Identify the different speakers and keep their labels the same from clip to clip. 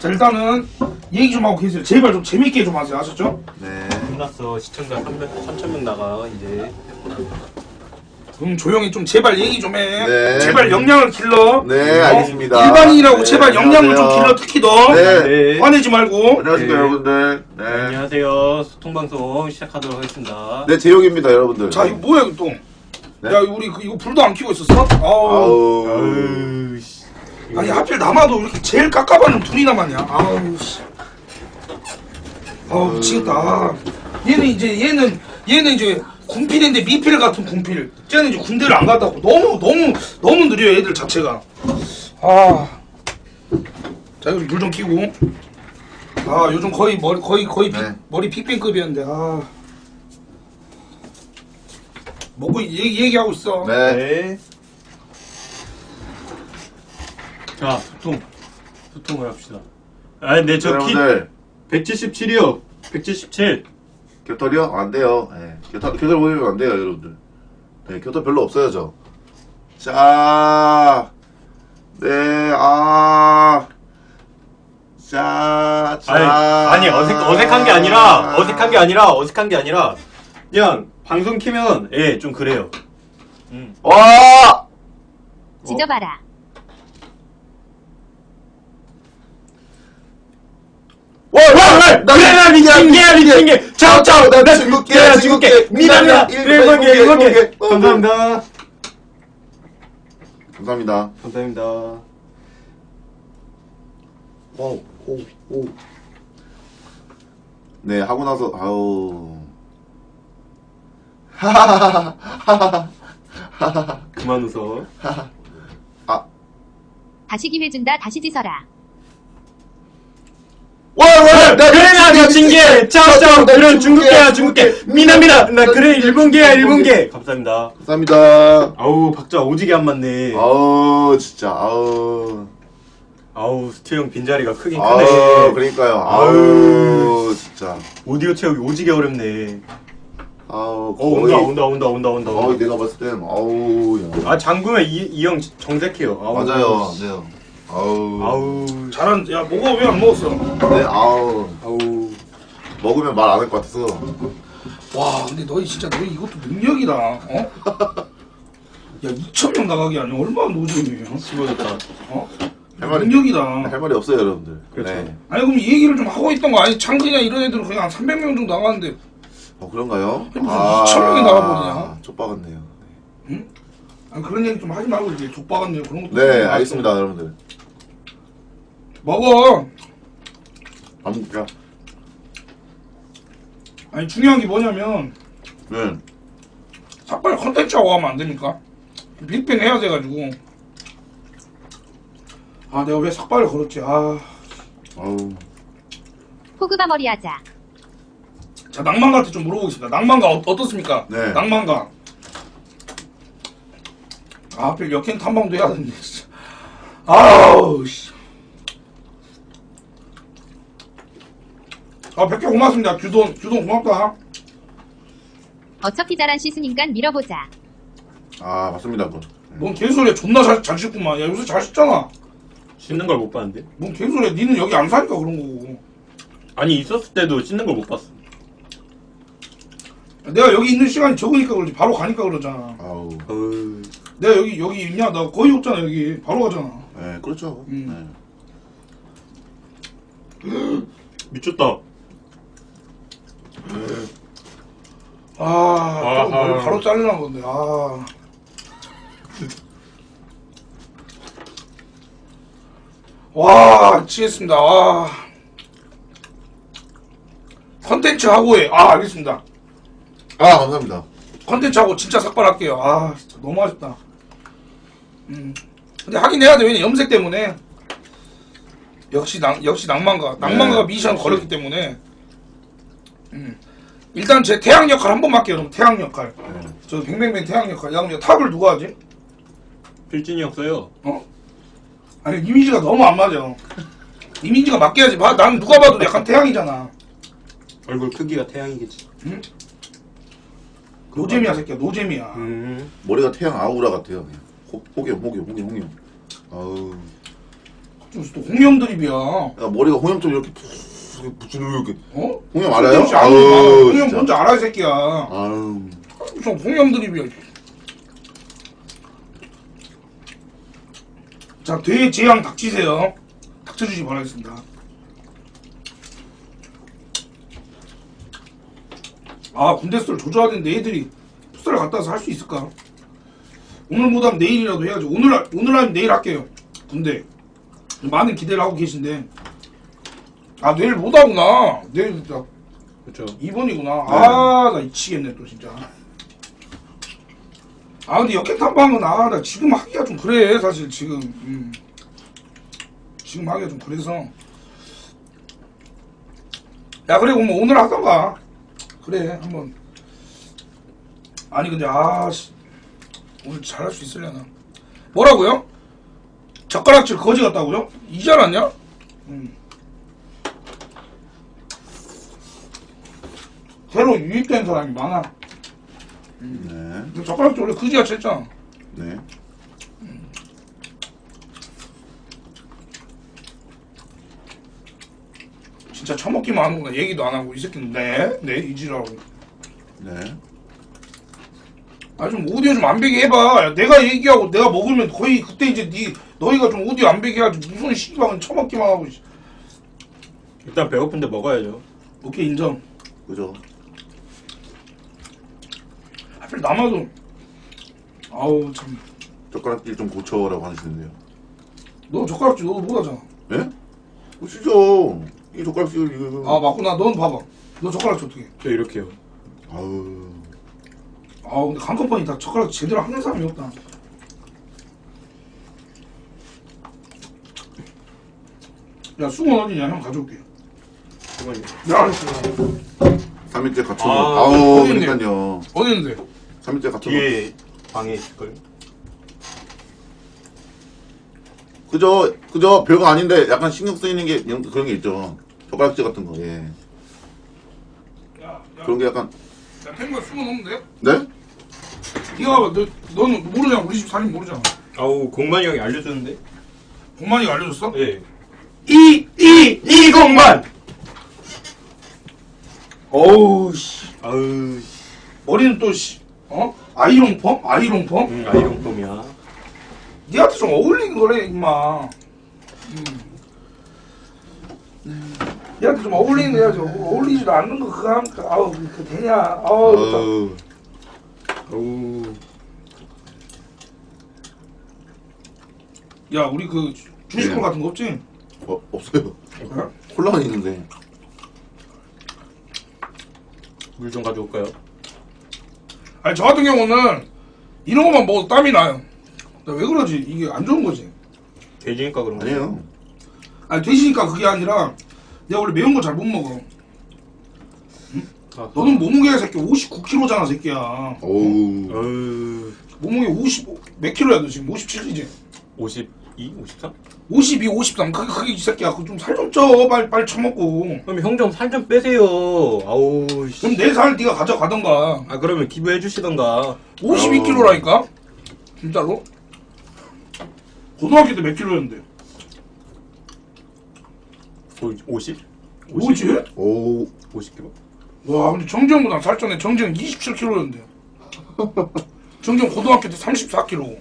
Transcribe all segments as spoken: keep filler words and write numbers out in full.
Speaker 1: 자 일단은 얘기 좀 하고 계세요. 제발 좀 재밌게 좀 하세요. 아셨죠?
Speaker 2: 네.
Speaker 3: 끝났어. 시청자 삼천 명 나가 이제.
Speaker 1: 그럼 조용히 좀 제발 얘기 좀 해.
Speaker 2: 네.
Speaker 1: 제발 역량을 길러.
Speaker 2: 네,
Speaker 1: 어?
Speaker 2: 알겠습니다.
Speaker 1: 일반인이라고
Speaker 2: 네,
Speaker 1: 제발 역량을 좀
Speaker 2: 안녕하세요.
Speaker 1: 길러. 특히 너.
Speaker 2: 네.
Speaker 3: 네.
Speaker 1: 화내지 말고.
Speaker 2: 안녕하십니까,
Speaker 3: 네.
Speaker 2: 여러분들. 네.
Speaker 3: 안녕하세요. 소통방송 시작하도록 하겠습니다.
Speaker 2: 네, 제용입니다, 여러분들.
Speaker 1: 자 이거 뭐야 이거 또.
Speaker 2: 네?
Speaker 1: 야 우리 그, 이거 불도 안 켜고 있었어? 아우.
Speaker 2: 아우.
Speaker 3: 아유, 씨.
Speaker 1: 아니 하필 남아도 이렇게 제일 깝깝한 둘이 남았냐? 아우 씨. 아우 미치겠다. 아, 얘는 이제 얘는 얘는 이제 군필인데 미필 같은 군필. 쟤는 이제 군대를 안 갔다 고 너무 너무 너무 느려요 애들 자체가. 아. 자 여기 물 좀 끼고. 아 요즘 거의 머리 거의 거의 빅,
Speaker 2: 네.
Speaker 1: 머리 빅뱅급이었는데 아. 먹고 얘기 얘기하고 있어.
Speaker 2: 네.
Speaker 3: 네. 자, 소통. 소통을 합시다. 아, 근데 저 키
Speaker 2: 여러분들,
Speaker 3: 백칠십칠이요. 백칠십칠.
Speaker 2: 교털이요? 안 돼요. 네. 교털, 교털 보이면 안 돼요, 여러분들. 네, 교털 별로 없어요, 저. 자. 네, 아. 자, 자.
Speaker 3: 아니, 아니 어색 어색한 게 아니라 어색한 게 아니라 어색한 게 아니라 그냥 방송 키면 예, 좀 그래요. 음.
Speaker 2: 와!
Speaker 4: 지져봐라.
Speaker 2: 와, 와, 와!
Speaker 3: 그래, 나 미친 게야, 미친 게. 차오, 차오, 나 중국계야, 중국계. 미남이야, 일본 게, 일본 게. 감사합니다.
Speaker 2: 감사합니다.
Speaker 3: 감사합니다.
Speaker 2: 오, 오, 오. 네, 하고 나서, 아우. 하하하하하하.
Speaker 3: 그만 웃어.
Speaker 2: 아,
Speaker 4: 다시 기회 준다. 다시 지서라.
Speaker 2: 와, 와! 나
Speaker 3: 그래, 나 미친 게. 차오, 차오, 그래, 중국계야, 중국계. 미남이다. 나 그래, 일본계야, 일본계. 감사합니다.
Speaker 2: 감사합니다.
Speaker 3: 아우, 박자 오지게 안 맞네.
Speaker 2: 아우, 진짜, 아우.
Speaker 3: 아우, 스튜 형 빈자리가 크긴
Speaker 2: 아우,
Speaker 3: 크네.
Speaker 2: 그러니까요. 아우, 진짜.
Speaker 3: 오디오 채우기 오지게 어렵네.
Speaker 2: 아우,
Speaker 3: 어, 온다, 온다, 온다, 온다, 온다.
Speaker 2: 어이, 내가 봤을 땐, 아우, 야.
Speaker 3: 아, 잠그면 이 형 정색해요. 아우,
Speaker 2: 맞아요, 네. 아우.
Speaker 3: 아우,
Speaker 1: 잘한. 야 먹어 왜 안 먹었어?
Speaker 2: 네, 아우.
Speaker 3: 아우.
Speaker 2: 먹으면 말 안 할 것 같아서.
Speaker 1: 와 근데 너희 진짜 너희 이것도 능력이다. 어? 야 이천 명 나가기 아니야 얼마나 노잼이에요?
Speaker 3: 씹어졌다.
Speaker 1: 어?
Speaker 2: 할 말이,
Speaker 1: 능력이다.
Speaker 2: 할 말이 없어요, 여러분들.
Speaker 3: 그렇죠.
Speaker 2: 네.
Speaker 1: 아니 그럼 이 얘기를 좀 하고 있던 거 아니 창근이나 이런 애들은 그냥 한 삼백 명 정도 나가는데
Speaker 2: 어, 그런가요?
Speaker 1: 무슨 이천 명이 나가버리냐?
Speaker 2: 족박았네요.
Speaker 1: 아니 그런 얘기 좀 하지 말고 이제 족박았네요 그런 것도.
Speaker 2: 네,
Speaker 1: 좀
Speaker 2: 알겠습니다, 여러분들.
Speaker 1: 먹어.
Speaker 2: 안 먹을게요.
Speaker 1: 아니 중요한 게 뭐냐면
Speaker 2: 네.
Speaker 1: 삭발 컨텐츠하고 하면 안 됩니까? 빅뱅 해야 돼가지고. 아 내가 왜 삭발을 걸었지? 아.
Speaker 2: 아우.
Speaker 4: 호그바 머리 하자.
Speaker 1: 자 낭만가한테 좀 물어보겠습니다. 낭만가 어, 어떻습니까?
Speaker 2: 네.
Speaker 1: 낭만가. 아 하필 역행 탐방도 해야 되는데 진짜. 아우 씨. 아 백 개 고맙습니다. 규돈 규돈 고맙다.
Speaker 4: 어차피 잘한 시스니깐 밀어보자.
Speaker 2: 아, 맞습니다, 그건.
Speaker 1: 뭔 개소리야. 존나 잘, 잘 씻구만. 야 요새 잘 씻잖아.
Speaker 3: 씻는 걸 못 봤는데?
Speaker 1: 뭔 개소리야. 니는 여기 안 사니까 그런 거고.
Speaker 3: 아니, 있었을 때도 씻는 걸 못 봤어.
Speaker 1: 내가 여기 있는 시간이 적으니까 그러지. 바로 가니까 그러잖아.
Speaker 2: 아우.
Speaker 3: 어우.
Speaker 1: 내가 여기 여기 있냐? 나 거의 없잖아 여기. 바로 가잖아.
Speaker 2: 네, 그렇죠.
Speaker 1: 음.
Speaker 2: 네.
Speaker 3: 미쳤다.
Speaker 1: 아,
Speaker 3: 아하.
Speaker 1: 또 머리 바로 자르는 건데. 아. 와, 미치겠습니다. 와. 컨텐츠 하고 해. 아, 알겠습니다.
Speaker 2: 아, 감사합니다.
Speaker 1: 컨텐츠 하고 진짜 삭발할게요. 아, 진짜 너무 아쉽다. 음. 근데 하긴 해야 돼. 왜냐 염색 때문에. 역시 낭 역시 낭만가. 낭만가가
Speaker 2: 네,
Speaker 1: 미션
Speaker 2: 역시.
Speaker 1: 걸었기 때문에. 음. 일단 제 태양 역할 한 번만 할게요. 여러분. 태양 역할.
Speaker 2: 네.
Speaker 1: 저 뱅뱅뱅 태양 역할. 야, 그럼 탑을 누가 하지?
Speaker 3: 필진이 형 써요.
Speaker 1: 어? 아니 이미지가 너무 안 맞아. 이미지가 맞게 해야지. 봐, 난 누가 봐도 약간 태양이잖아.
Speaker 3: 얼굴 크기가 태양이겠지.
Speaker 1: 응? 노잼이야 새끼야. 노잼이야.
Speaker 3: 음.
Speaker 2: 머리가 태양 아우라 같아요. 그냥. 호, 호겸, 호겸, 호겸, 호겸. 아우.
Speaker 1: 무슨 또 홍염 드립이야.
Speaker 2: 야, 머리가 홍염처럼 이렇게 푹 붙이는 이렇게.
Speaker 1: 어?
Speaker 2: 홍염 알아요?
Speaker 1: 아우,
Speaker 2: 아우,
Speaker 1: 홍염
Speaker 2: 진짜.
Speaker 1: 뭔지 알아 이 새끼야.
Speaker 2: 아유.
Speaker 1: 무슨 홍염 드립이야. 자, 대재앙 닥치세요. 닥쳐주시 바라겠습니다. 아, 군대 썰 조져야 되는데 애들이 풋살을 갔다 와서 할 수 있을까? 오늘 못하면 내일이라도 해야죠. 오늘, 하- 오늘 하면 내일 할게요. 군대. 많은 기대를 하고 계신데. 아, 내일 못하구나. 내일 나
Speaker 3: 그렇죠.
Speaker 1: 이 번이구나. 아, 나 미치겠네, 또 진짜. 아, 근데 역행 탐방은, 아, 나 지금 하기가 좀 그래, 사실, 지금. 음. 지금 하기가 좀 그래서. 야, 그래, 그럼 오늘 하던가. 그래, 한번. 아니, 근데, 아, 씨. 오늘 잘할 수 있으려나. 뭐라고요? 젓가락질 거지 같다고요? 이제 알았냐? 음. 새로 유입된 사람이 많아.
Speaker 2: 네.
Speaker 1: 근데 젓가락질 원래 그지같이 했잖아.
Speaker 2: 네.
Speaker 1: 진짜 처먹기만 하는구나. 얘기도 안 하고 이 새끼는 네? 네? 이지라고.
Speaker 2: 네.
Speaker 1: 아 좀 오디오 좀 안 배게 해봐. 야, 내가 얘기하고 내가 먹으면 거의 그때 이제 니 너희가 좀 오디오 안 배게 하지. 무슨 씨발은 처먹기만 하고. 씨.
Speaker 3: 일단 배고픈데 먹어야죠.
Speaker 1: 오케이 인정.
Speaker 2: 그죠.
Speaker 1: 하필 남아도 아우 참.
Speaker 2: 젓가락질 좀 고쳐라고 하시는데요.
Speaker 1: 너 젓가락질 너도 못하잖아.
Speaker 2: 네? 보시죠. 이 젓가락질 이거.
Speaker 1: 아 맞구나. 넌 봐봐. 너 젓가락질 어떻게 해?
Speaker 3: 저 이렇게요.
Speaker 2: 아우.
Speaker 1: 아 근데 강컴퍼니 다 젓가락 제대로 하는 사람이 없다. 야 수건 어디냐? 형 가져올게.
Speaker 3: 잠깐만요.
Speaker 1: 야
Speaker 2: 삼 일째 갖춰.
Speaker 3: 아,
Speaker 2: 아, 우
Speaker 1: 어디 있네.
Speaker 2: 그러니까요.
Speaker 1: 어디 있는데?
Speaker 2: 삼 일째 갖춰.
Speaker 3: 뒤에 방에 있을걸?
Speaker 2: 그저 그저 별거 아닌데 약간 신경 쓰이는 게 이런- 그런 게 있죠. 젓가락질 같은 거. 예.
Speaker 1: 야, 야,
Speaker 2: 그런 게 약간.
Speaker 1: 야 탱구야 수건 없는데?
Speaker 2: 네?
Speaker 1: 네가 봐봐. 너 너는 모르잖아. 우리 집 살림 모르잖아.
Speaker 3: 아우 공만이 형이 알려주는데?
Speaker 1: 공만이가 알려줬어?
Speaker 3: 예.
Speaker 1: 이 이
Speaker 3: 이공만!
Speaker 1: 어우 씨.
Speaker 3: 아우
Speaker 1: 머리는 또 씨. 어? 아이롱펌? 아이롱펌?
Speaker 3: 응 아이롱폼이야.
Speaker 1: 니한테 좀 어울리는 거래 임마. 음. 니한테 좀 어울리는 거 해야지. 어울리지도 않는 거 그거 하니까 아우 그 되냐. 아우 좋다.
Speaker 2: 아우.
Speaker 3: 아우
Speaker 1: 야 우리 그 주식콜
Speaker 2: 네.
Speaker 1: 같은 거 없지?
Speaker 2: 어, 없어요.
Speaker 1: 어?
Speaker 2: 콜라는 있는데.
Speaker 3: 물 좀 가져올까요?
Speaker 1: 아니 저 같은 경우는 이런 것만 먹어도 땀이 나요. 나 왜 그러지? 이게 안 좋은 거지.
Speaker 3: 돼지니까 그런 거.
Speaker 2: 아니에요.
Speaker 1: 아니 되시니까 그게 아니라 내가 원래 매운 거 잘 못 먹어.
Speaker 3: 아,
Speaker 1: 너는 몸무게가 새끼 오십구 킬로그램잖아 새끼야.
Speaker 2: 어우.
Speaker 3: 어우
Speaker 1: 몸무게 오십오 몇 킬로야 너 지금? 오십칠이지?
Speaker 3: 오십이? 오십삼?
Speaker 1: 오십이, 오십삼 그게 그게 이 새끼야. 그 좀 살 좀 쪄. 빨리 빨리 처먹고.
Speaker 3: 그럼 형 좀 살 좀 빼세요. 아우 씨.
Speaker 1: 그럼 내 살 네가 가져가던가.
Speaker 3: 아 그러면 기부해 주시던가.
Speaker 1: 오십이 킬로그램라니까? 진짜로? 고등학교 때 몇 킬로였는데?
Speaker 3: 오, 오십?
Speaker 1: 뭐지?
Speaker 2: 오.
Speaker 3: 오십 킬로?
Speaker 1: 와 근데 정지형보다 살쪘네. 정지형 이십칠 킬로그램였는데. 정지형 고등학교 때 삼십사 킬로그램.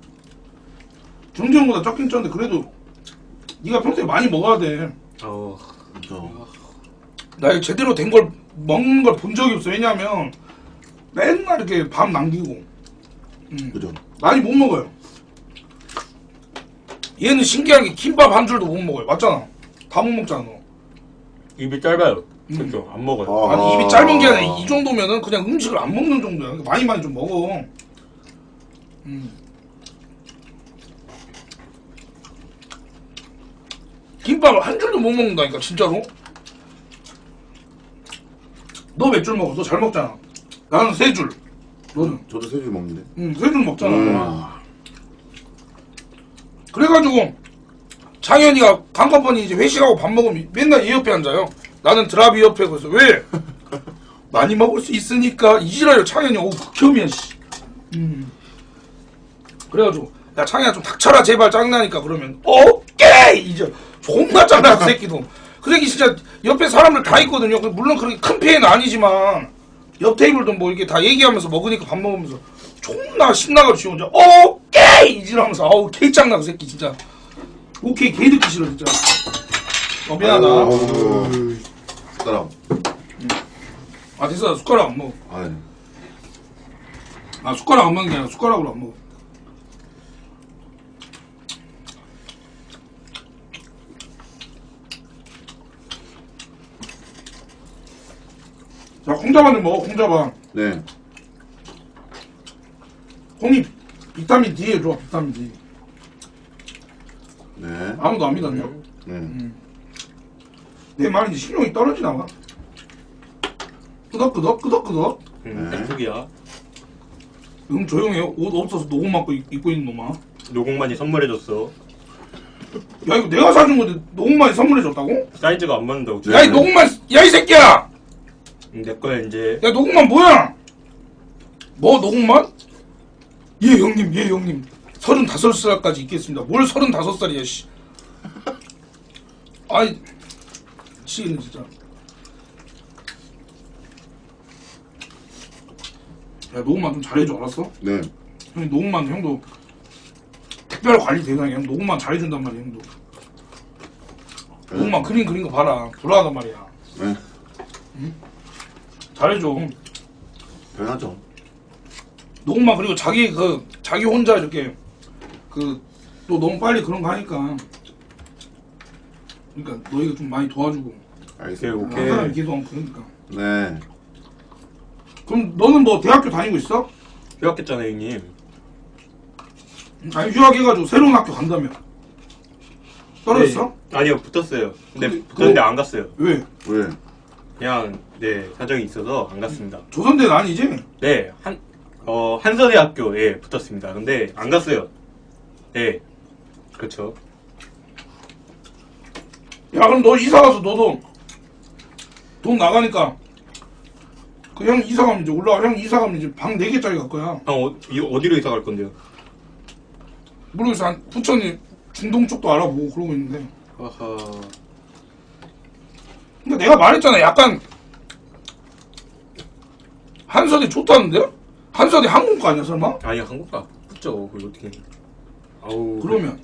Speaker 1: 정지형보다 적긴 쪘는데 그래도 네가 평소에 많이 먹어야 돼.
Speaker 3: 아우
Speaker 2: 그죠.
Speaker 1: 나 이거 제대로 된 걸 먹는 걸 본 적이 없어. 왜냐면 맨날 이렇게 밥 남기고. 음.
Speaker 2: 그죠.
Speaker 1: 많이 못 먹어요. 얘는 신기하게 김밥 한 줄도 못 먹어요. 맞잖아. 다 못 먹잖아 너.
Speaker 3: 입이 짧아요.
Speaker 1: 음.
Speaker 3: 그렇죠. 안 먹어요.
Speaker 2: 아.
Speaker 1: 아니 입이 짧은 게 아니라 이 정도면은 그냥 음식을 안 먹는 정도야. 그러니까 많이 많이 좀 먹어. 음. 김밥을 한 줄도 못 먹는다니까 진짜로. 너 몇 줄 먹어? 너 잘 먹잖아. 나는 세 줄. 너는?
Speaker 2: 저도 세 줄 먹는데.
Speaker 1: 응, 세 줄 먹잖아.
Speaker 2: 음.
Speaker 1: 그래가지고 창현이가 강컴퍼니 이제 회식하고 밥 먹으면 맨날 얘 옆에 앉아요. 나는 드라비 옆에. 그래서 왜? 많이 먹을 수 있으니까 이지라요. 창현이 오 극혐이야 씨. 음. 그래가지고 야 창현아 좀 닥쳐라 제발. 짜증나니까. 그러면 어? 깨! 이제 존나 짱나 그 새끼도. 그 새끼 진짜 옆에 사람들 다 있거든요. 물론 그렇게 큰 피해는 아니지만 옆 테이블도 뭐 이렇게 다 얘기하면서 먹으니까 밥 먹으면서 존나 신나가지고 혼자 어 깨! 이지라면서 아우 개 짱나 그 새끼 진짜. 오케이 개 듣기 싫어 진짜. 어 미안하다.
Speaker 2: 아유, 숟가락.
Speaker 1: 아 됐어 숟가락 안 먹어.
Speaker 2: 아, 예.
Speaker 1: 아 숟가락 안 먹는 게 아니라 숟가락으로 안 먹어. 자 콩자반을 먹어 콩자반.
Speaker 2: 네.
Speaker 1: 콩이 비타민 D에 좋아 비타민 D.
Speaker 2: 네.
Speaker 1: 아무도 안 믿었냐?
Speaker 2: 네.
Speaker 1: 내 말인지 신용이 떨어지나 봐. 끄덕끄덕 끄덕끄덕.
Speaker 3: 음,
Speaker 2: 네.
Speaker 3: 땡tuk이야.
Speaker 1: 응 조용해요. 옷 없어서 녹음 맞고 입- 입고 있는 놈아.
Speaker 3: 노공만이 선물해줬어.
Speaker 1: 야 이거 내가 사준 건데 녹음만이 선물해줬다고?
Speaker 3: 사이즈가 안 맞는다고.
Speaker 2: 네.
Speaker 1: 야 이 녹음만 야 이 새끼야!
Speaker 3: 음, 내 거야 이제.
Speaker 1: 야 녹음만 뭐야? 뭐 녹음만? 예 형님 예 형님 서른다섯 살까지 있겠습니다. 뭘 서른다섯 살이야 씨. 아이 미치겠네 진짜. 야 녹음만 좀 잘해줘 알았어?
Speaker 2: 네.
Speaker 1: 형님 녹음만 형도 특별 관리 대상이야. 형 녹음만 잘해준단 말이야 형도. 녹음만 그림 그린 거 봐라. 불안하단 말이야.
Speaker 2: 네.
Speaker 1: 잘해줘.
Speaker 2: 변하죠.
Speaker 1: 녹음만 그리고 자기 그 자기 혼자 이렇게 그 또 너무 빨리 그런 거 하니까 그러니까 너희가 좀 많이 도와주고
Speaker 2: 알겠습니다.
Speaker 3: 오케이,
Speaker 1: 한 사람이 계속 하면 그러니까.
Speaker 2: 네.
Speaker 1: 그럼 너는 뭐 대학교 다니고 있어?
Speaker 3: 휴학했잖아 형님.
Speaker 1: 아니 휴학해가지고 새로운 학교 간다며. 떨어졌어?
Speaker 3: 네, 아니요 붙었어요. 근데
Speaker 1: 그-
Speaker 3: 붙었는데
Speaker 1: 그거-
Speaker 3: 안 갔어요.
Speaker 1: 왜?
Speaker 2: 왜?
Speaker 3: 그냥 네 사정이 있어서 안 갔습니다.
Speaker 1: 조선대는 아니지?
Speaker 3: 네, 한, 어, 한서대학교에 붙었습니다. 근데 안 갔어요. 네, 그렇죠.
Speaker 1: 야 그럼 너 이사 가서 너도 돈 나가니까 그 형 이사 가면 이제 올라가. 형 이사 가면 이제 방 네 개짜리 갈 거야.
Speaker 3: 형, 어, 이, 어디로 이사 갈 건데요?
Speaker 1: 모르겠어. 한 부천이 중동 쪽도 알아보고 그러고 있는데.
Speaker 3: 아하.
Speaker 1: 근데 내가 말했잖아. 약간 한서대 좋다는데? 한서대 항공과 아니야 설마?
Speaker 3: 아니, 한국가 붙죠. 그걸 어떻게. 아우.
Speaker 1: 그러면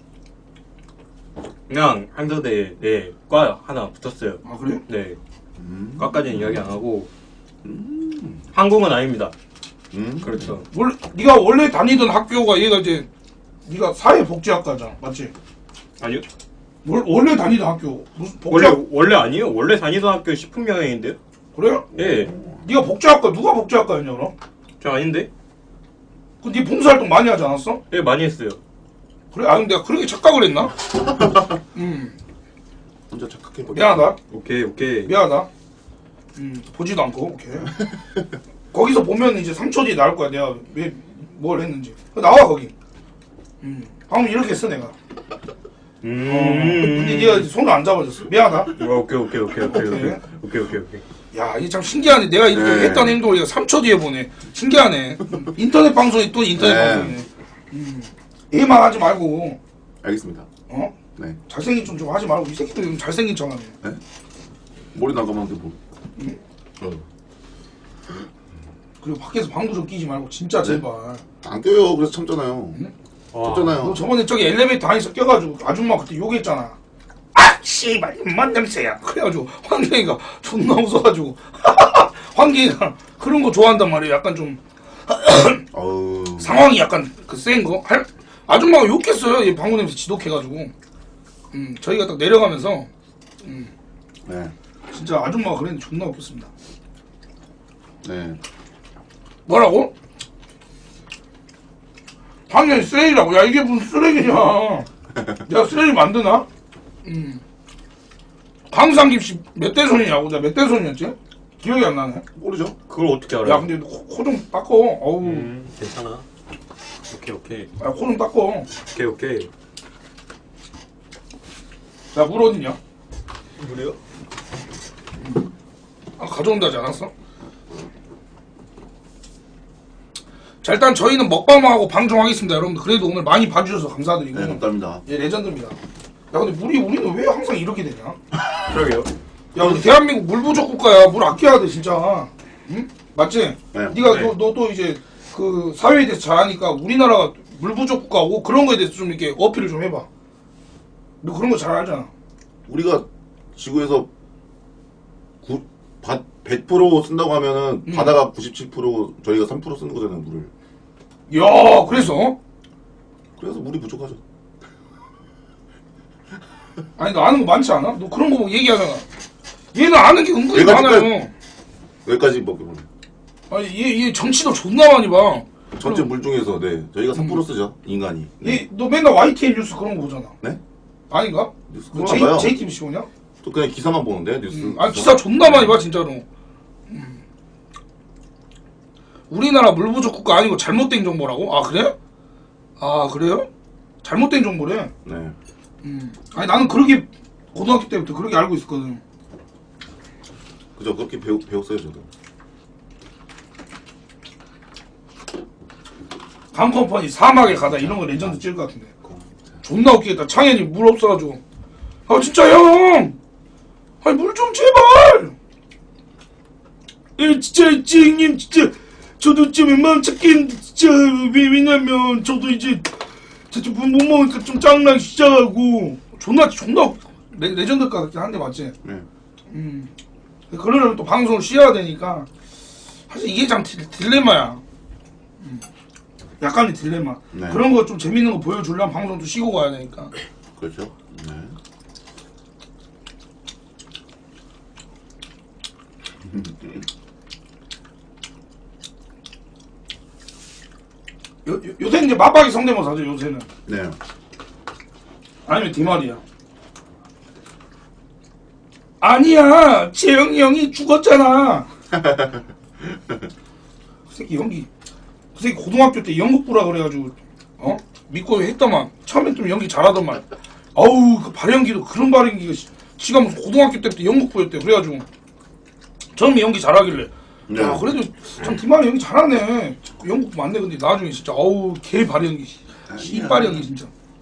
Speaker 3: 그냥 한서대에, 네, 과 하나 붙었어요.
Speaker 1: 아 그래?
Speaker 3: 네,
Speaker 2: 음.
Speaker 3: 과까지는 이야기 안 하고. 항공은 아닙니다.
Speaker 2: 음.
Speaker 3: 그렇죠.
Speaker 1: 원래 네가 원래 다니던 학교가 얘가 이제 네가 사회복지학과잖아, 맞지?
Speaker 3: 아니요.
Speaker 1: 월, 원래 다니던 학교 무슨
Speaker 3: 원래,
Speaker 1: 복지학
Speaker 3: 원래 아니에요. 원래 다니던 학교 식품영양인데요?
Speaker 1: 그래?
Speaker 3: 예.
Speaker 1: 네가 복지학과 누가 복지학과였냐 그럼?
Speaker 3: 저 아닌데?
Speaker 1: 그네 봉사활동 많이 하지 않았어?
Speaker 3: 예, 많이 했어요.
Speaker 1: 그래? 아 근데 내가 그렇게 착각을 했나? 음
Speaker 2: 혼자 착각해 버려.
Speaker 1: 미안하다.
Speaker 3: 오케이, 오케이.
Speaker 1: 미안하다. 음 보지도 않고 오케이. 거기서 보면 이제 삼 초 뒤에 나올 거야 내가 왜 뭘 했는지. 나와 거기. 음 방금 이렇게 했어 내가.
Speaker 3: 음.
Speaker 1: 어, 근데 네가 손을 안 잡아줬어. 미안하다.
Speaker 3: 어, 오케이, 오케이, 오케이, 오케이, 오케이.
Speaker 1: 오케이.
Speaker 3: 오케이, 오케이, 오케이.
Speaker 1: 야, 이게 참 신기하네. 내가 이렇게
Speaker 2: 네.
Speaker 1: 했던 행동을 얘가 삼 초 뒤에 보네. 신기하네. 인터넷 방송이 또 인터넷
Speaker 2: 네.
Speaker 1: 방송이네. 음. 얘만 하지 말고,
Speaker 2: 알겠습니다.
Speaker 1: 어?
Speaker 2: 네.
Speaker 1: 잘생긴 좀 좀 하지 말고, 이 새끼들 좀 잘생긴 척 하네.
Speaker 2: 머리 나가면 뭐. 어.
Speaker 1: 그리고 밖에서 방구 좀 끼지 말고, 진짜 제발.
Speaker 2: 안 껴요. 그래서 참잖아요.
Speaker 3: 와.
Speaker 2: 쳤잖아요.
Speaker 1: 너 저번에 저기 엘리베이터 안에서 껴가지고, 아줌마 그때 욕했잖아. 아! 씨발, 입맛 냄새야. 그래가지고, 황경이가 존나 웃어가지고, 황경이가 그런 거 좋아한단 말이야. 약간 좀,
Speaker 2: 어우.
Speaker 1: 상황이 약간 그 센 거? 할, 아줌마가 욕했어요. 얘 방구 냄새 지독해가지고. 음, 저희가 딱 내려가면서, 음,
Speaker 2: 네.
Speaker 1: 진짜 아줌마가 그랬는데 존나 웃겼습니다.
Speaker 2: 네.
Speaker 1: 뭐라고? 당연히 쓰레기라고. 야, 이게 무슨 쓰레기냐. 내가 쓰레기 만드나? 음. 강상김씨 몇 대 손이냐고. 내가 몇 대 손이었지? 기억이 안 나네.
Speaker 2: 모르죠?
Speaker 3: 그걸 어떻게 알아요?
Speaker 1: 야, 근데 코 좀 닦어. 어우.
Speaker 3: 음, 괜찮아. 오케이, 오케이.
Speaker 1: 야, 코 좀 닦어.
Speaker 3: 오케이, 오케이.
Speaker 1: 자, 물 어딨냐?
Speaker 3: 그래요?
Speaker 1: 아, 가져온다지 않았어? 자, 일단 저희는 먹방만 하고 방송하겠습니다, 여러분들. 그래도 오늘 많이 봐주셔서 감사드리고.
Speaker 2: 네, 감사합니다.
Speaker 1: 예, 레전드입니다. 야 근데 물이 우리는 왜 항상 이렇게 되냐?
Speaker 3: 그러게요.
Speaker 1: 야 우리 대한민국 물 부족 국가야. 물 아껴야 돼 진짜. 응? 맞지?
Speaker 2: 네.
Speaker 1: 네가
Speaker 3: 네.
Speaker 1: 너, 너 또 이제 그 사회에 대해서 잘 아니까 우리나라가 물 부족 국가고 그런 거에 대해서 좀 이렇게 어필을 좀 해봐. 너 그런 거 잘 알잖아.
Speaker 2: 우리가 지구에서 구, 바, 백 퍼센트 쓴다고 하면은
Speaker 1: 음.
Speaker 2: 바다가 구십칠 퍼센트 저희가 삼 퍼센트 쓰는 거잖아요 물을.
Speaker 1: 야 그래서?
Speaker 2: 그래서 물이 부족하죠.
Speaker 1: 아니 너 아는 거 많지 않아? 너 그런 거 보고 얘기하잖아. 얘는 아는 게 은근히
Speaker 2: 얘가
Speaker 1: 많아요.
Speaker 2: 여기까지 뭐 그러면
Speaker 1: 아니 얘, 얘 정치도 존나 많이 봐.
Speaker 2: 전체 물 중에서 네 저희가 삼 퍼센트 쓰죠 인간이. 네.
Speaker 1: 얘 너 맨날 와이티엔 뉴스 그런 거 보잖아.
Speaker 2: 네?
Speaker 1: 아니가?
Speaker 2: 뉴스
Speaker 1: 너
Speaker 2: 그거 안 봐요.
Speaker 1: 제이, 제이티비씨 보냐?
Speaker 2: 또 그냥 기사만 보는데 뉴스.
Speaker 1: 음, 아 기사 존나 많이 봐 진짜로. 음. 우리나라 물 부족 국가 아니고 잘못된 정보라고? 아 그래? 아 그래요? 잘못된 정보래.
Speaker 2: 네.
Speaker 1: 음. 아니 나는 그렇게 고등학교 때부터 그렇게 알고 있었거든.
Speaker 2: 그죠 그렇게 배우, 배웠어요 저도.
Speaker 1: 강컴퍼니 사막에 가다 이런 거 레전드 찍을 것 같은데. 존나 웃기겠다. 창현이 물 없어가지고. 아 진짜 형! 아니 물 좀 제발! 예 진짜 지형님 진짜 저도 좀 웬만하면 찾긴 진짜 왜, 왜냐면 저도 이제 진짜 못 먹으니까 좀 짱나기 시작하고 존나 존나 레, 레전드 같긴 한데 맞지?
Speaker 2: 네.
Speaker 1: 음. 그러려면 또 방송을 쉬어야 되니까 사실 이게 참 딜, 딜레마야. 음. 약간의 딜레마.
Speaker 2: 네.
Speaker 1: 그런 거 좀 재밌는 거 보여주려면 방송도 쉬고 가야 되니까.
Speaker 2: 그렇죠. 네.
Speaker 1: 요, 요, 요새는 이제 맞박이 성대모사죠 요새는.
Speaker 2: 네.
Speaker 1: 아니면 디말이야. 아니야 재영이 형이 죽었잖아. 그 새끼 연기 그 새끼 고등학교 때 연극부라 그래가지고 어? 믿고 했더만 처음엔 좀 연기 잘하더만 아우 그 발연기도 그런 발연기가 씨, 지가 무슨 고등학교 때부터 연극부였대. 그래가지고 처음에 연기 잘하길래
Speaker 2: 네.
Speaker 1: 야 그래도 참 디말이 연기 잘하네. 연극부 맞네. 근데 나중에 진짜 아우 개 발연기 씨발 연기 진짜.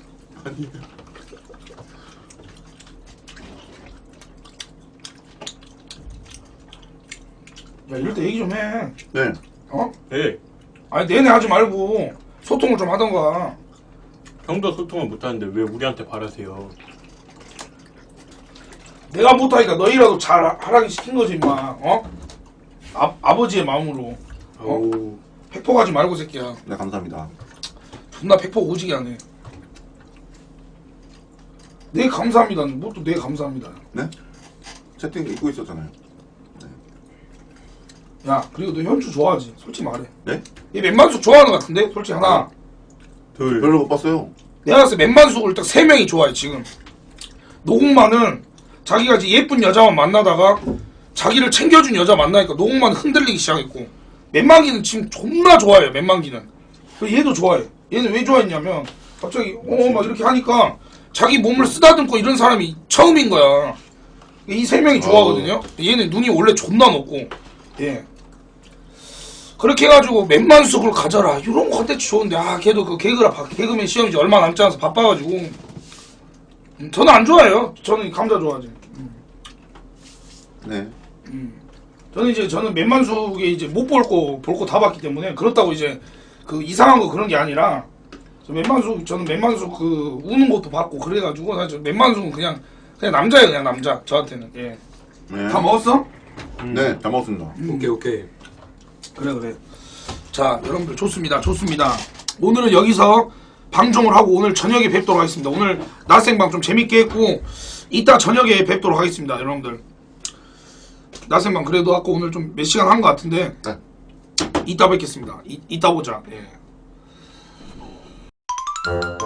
Speaker 1: 야 이럴 때 얘기 좀 해.
Speaker 2: 네.
Speaker 1: 어?
Speaker 3: 예.
Speaker 1: 아니 내내 하지 말고 소통을 좀 하던가.
Speaker 3: 형도 소통을 못하는데 왜 우리한테 바라세요?
Speaker 1: 내가 못하니까 너희라도 잘 하라기 시킨 거지 임마. 어? 아, 아버지의 마음으로 어?
Speaker 3: 어우.
Speaker 1: 팩폭하지 말고 새끼야.
Speaker 2: 네 감사합니다.
Speaker 1: 존나 팩폭 오지게 하네. 네 감사합니다는 뭐 또 네 감사합니다.
Speaker 2: 네? 채팅 읽고 있었잖아요.
Speaker 1: 야 그리고 너 현주 좋아하지? 솔직히 말해.
Speaker 2: 네?
Speaker 1: 얘 맨만숙 좋아하는 것 같은데? 솔직히 하나.
Speaker 3: 둘.
Speaker 2: 별로 못 봤어요.
Speaker 1: 내가 봤을 때 맨만숙을 딱 세 명이 좋아해 지금. 노공만은 자기가 이제 예쁜 여자만 만나다가 자기를 챙겨준 여자 만나니까 노공만 흔들리기 시작했고, 맨만기는 지금 존나 좋아해요. 맨만기는. 그리고 얘도 좋아해. 얘는 왜 좋아했냐면 갑자기 어 막 이렇게 하니까 자기 몸을 쓰다듬고 이런 사람이 처음인 거야. 이 세 명이 좋아하거든요. 얘는 눈이 원래 존나 높고. 예. 그렇게 해가지고 맨만숙을 가져라 이런 컨텐츠 좋은데 아 걔도 그 개그라 바- 개그맨 시험이 이제 얼마 남지 않아서 바빠가지고 음, 저는 안 좋아해요. 저는 감자 좋아하지. 음,
Speaker 2: 네.
Speaker 1: 음. 저는 이제 저는 맨만숙에 이제 못 볼 거 볼 거 다 봤기 때문에 그렇다고 이제 그 이상한 거 그런 게 아니라 저 맨만숙 저는 맨만숙 그 우는 것도 봤고 그래가지고 사실 맨만숙은 그냥 그냥 남자예요. 그냥 남자 저한테는. 예.
Speaker 2: 네.
Speaker 1: 다 먹었어?
Speaker 2: 네, 잘 먹었습니다.
Speaker 3: 오케이 오케이.
Speaker 1: 그래 그래. 자 여러분들 좋습니다 좋습니다. 오늘은 여기서 방송을 하고 오늘 저녁에 뵙도록 하겠습니다. 오늘 낮생방 좀 재밌게 했고 이따 저녁에 뵙도록 하겠습니다. 여러분들 낮생방 그래도 아까 오늘 좀 몇 시간 한 것 같은데
Speaker 2: 네.
Speaker 1: 이따 뵙겠습니다. 이, 이따 보자. 예.